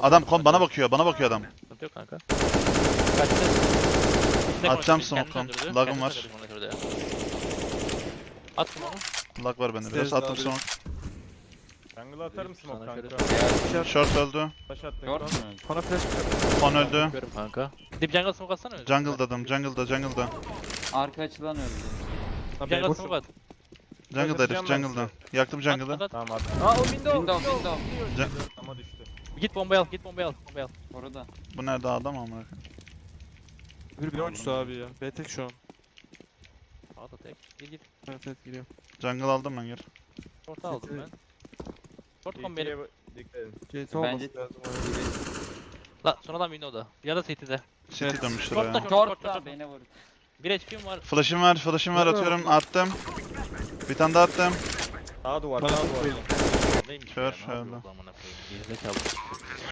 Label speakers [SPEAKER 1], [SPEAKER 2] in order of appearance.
[SPEAKER 1] Adam bana bakıyor adam.
[SPEAKER 2] Sıkıntı yok kanka. Kaçtı.
[SPEAKER 1] Atacağım
[SPEAKER 2] Kendini
[SPEAKER 1] smoke'tan.
[SPEAKER 2] öldürdü.
[SPEAKER 1] Lag'ım
[SPEAKER 2] Kendini
[SPEAKER 1] var.
[SPEAKER 2] öldürdü, monitörde ya. Attım onu.
[SPEAKER 1] Lag var bende biraz.
[SPEAKER 3] Stairs
[SPEAKER 1] Attım
[SPEAKER 3] abi.
[SPEAKER 1] smoke.
[SPEAKER 4] Jungle'a atarım smoke
[SPEAKER 2] Sana
[SPEAKER 4] kanka.
[SPEAKER 2] şöyle-
[SPEAKER 1] Short öldü.
[SPEAKER 4] Taş attın
[SPEAKER 5] Short
[SPEAKER 4] kon.
[SPEAKER 5] mu?
[SPEAKER 3] Bana flash mı?
[SPEAKER 1] Con öldü.
[SPEAKER 2] Bakıyorum kanka. Dip jungle smoke atsana öyle.
[SPEAKER 1] Jungle'dadım. Jungle'da.
[SPEAKER 5] Arka açılan öldü.
[SPEAKER 3] Lan
[SPEAKER 2] Jungle
[SPEAKER 3] boş.
[SPEAKER 2] smoke at.
[SPEAKER 1] Jungle'da herif.
[SPEAKER 4] Atacağım ben
[SPEAKER 1] Jungle'da.
[SPEAKER 4] size.
[SPEAKER 1] Yaktım jungle'ı.
[SPEAKER 2] At.
[SPEAKER 4] Tamam attım. Aa o window.
[SPEAKER 5] Window.
[SPEAKER 4] Ama düştü.
[SPEAKER 2] Git bombayı al, git bombayı al. Bombayı al.
[SPEAKER 5] Orada.
[SPEAKER 1] Bu nerede adam ama?
[SPEAKER 3] Bir oyuncusu abi ya. B tek şu an.
[SPEAKER 2] At tek. Git.
[SPEAKER 3] Evet evet giriyor.
[SPEAKER 1] Jungle aldım ben geri.
[SPEAKER 2] Short aldım ben. Short kom benim.
[SPEAKER 4] Dikkat edin.
[SPEAKER 3] CT olması
[SPEAKER 5] Bence-
[SPEAKER 3] lazım.
[SPEAKER 2] La sonradan window'da. Ya da city'de.
[SPEAKER 1] City dönmüştür
[SPEAKER 2] Short'ta
[SPEAKER 1] ya.
[SPEAKER 5] Short beni vur.
[SPEAKER 2] 1 HP'm var.
[SPEAKER 1] Flash'ım var atıyorum. Attım. Bir tane daha attım.
[SPEAKER 4] Sağ duvar,
[SPEAKER 3] Bana
[SPEAKER 4] sağ duvar.
[SPEAKER 3] koyayım.
[SPEAKER 2] Neymiş
[SPEAKER 1] Kör
[SPEAKER 2] ya, ne yapıyor
[SPEAKER 1] öldü.
[SPEAKER 2] bu amına koyayım? Gerizekalı.